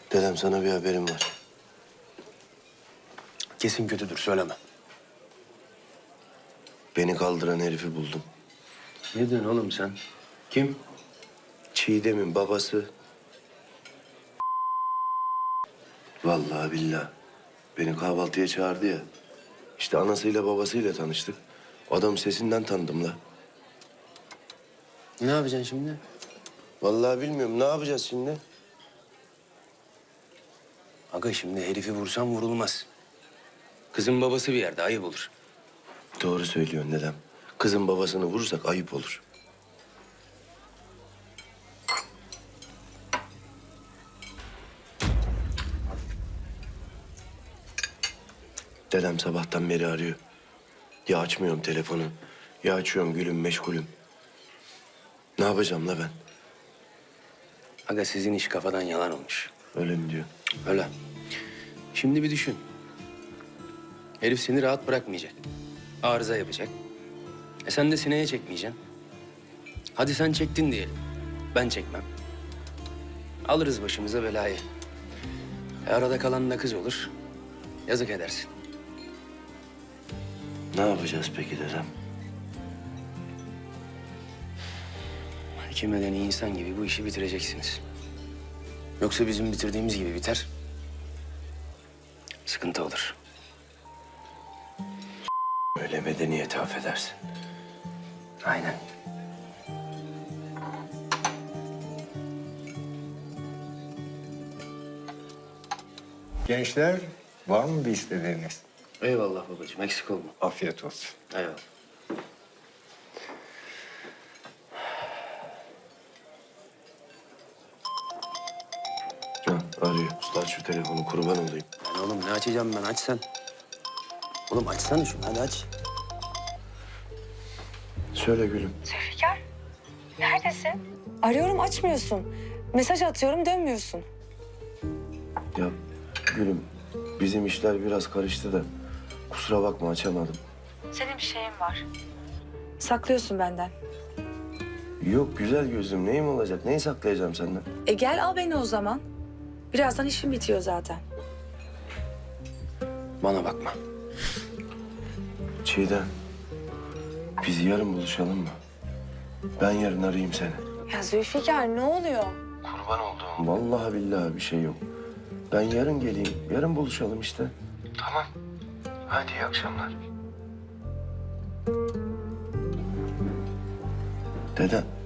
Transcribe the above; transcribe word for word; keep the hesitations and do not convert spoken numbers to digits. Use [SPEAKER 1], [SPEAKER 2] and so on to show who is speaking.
[SPEAKER 1] Dedem sana bir haberim var.
[SPEAKER 2] Kesin kötüdür, söyleme.
[SPEAKER 1] Beni kaldıran herifi buldum.
[SPEAKER 2] Ne diyorsun oğlum sen? Kim?
[SPEAKER 1] Çiğdem'in babası. Vallahi billahi. Beni kahvaltıya çağırdı ya. İşte anasıyla babasıyla tanıştık. Adam sesinden tanıdım la.
[SPEAKER 2] Ne yapacaksın şimdi?
[SPEAKER 1] Vallahi bilmiyorum. Ne yapacağız şimdi?
[SPEAKER 2] Aga şimdi herifi vursan vurulmaz. Kızın babası bir yerde, ayıp olur.
[SPEAKER 1] Doğru söylüyorsun dedem. Kızın babasını vurursak ayıp olur. Dedem sabahtan beri arıyor. Ya açmıyorum telefonu, ya açıyorum gülüm meşgulüm. Ne yapacağım la ben?
[SPEAKER 2] Aga sizin iş kafadan yalan olmuş.
[SPEAKER 1] Öyle mi diyor?
[SPEAKER 2] Öyle. Şimdi bir düşün. Herif seni rahat bırakmayacak. Arıza yapacak. E sen de sineye çekmeyeceksin. Hadi sen çektin diyelim. Ben çekmem. Alırız başımıza belayı. E arada kalan da kız olur. Yazık edersin.
[SPEAKER 1] Ne yapacağız peki dedem?
[SPEAKER 2] İki medeni insan gibi bu işi bitireceksiniz. Yoksa bizim bitirdiğimiz gibi biter. Sıkıntı olur.
[SPEAKER 1] Öyle medeniyeti affedersin.
[SPEAKER 2] Aynen.
[SPEAKER 3] Gençler, var mı bir istediğiniz?
[SPEAKER 2] Eyvallah babacığım, eksik olma.
[SPEAKER 3] Afiyet olsun.
[SPEAKER 2] Eyvallah.
[SPEAKER 1] Ha, arıyor. Usta aç şu telefonu, kurban olayım.
[SPEAKER 2] Lan oğlum ne açacağım ben, aç sen. Oğlum açsana şunu, hadi aç.
[SPEAKER 1] Söyle gülüm.
[SPEAKER 4] Zülfikar, neredesin? Arıyorum açmıyorsun. Mesaj atıyorum dönmüyorsun.
[SPEAKER 1] Ya gülüm, bizim işler biraz karıştı da kusura bakma açamadım.
[SPEAKER 4] Senin bir şeyin var. Saklıyorsun benden.
[SPEAKER 1] Yok güzel gözlüm, neyim olacak? Neyi saklayacağım senden?
[SPEAKER 4] E gel al beni o zaman. Birazdan işim bitiyor zaten.
[SPEAKER 2] Bana bakma.
[SPEAKER 1] Çiğdem, biz yarın buluşalım mı? Ben yarın arayayım seni.
[SPEAKER 4] Ya Zülfikar ne oluyor?
[SPEAKER 1] Kurban olduğum. Vallahi billahi bir şey yok. Ben yarın geleyim, yarın buluşalım işte. Tamam. Hadi iyi akşamlar. Dedem.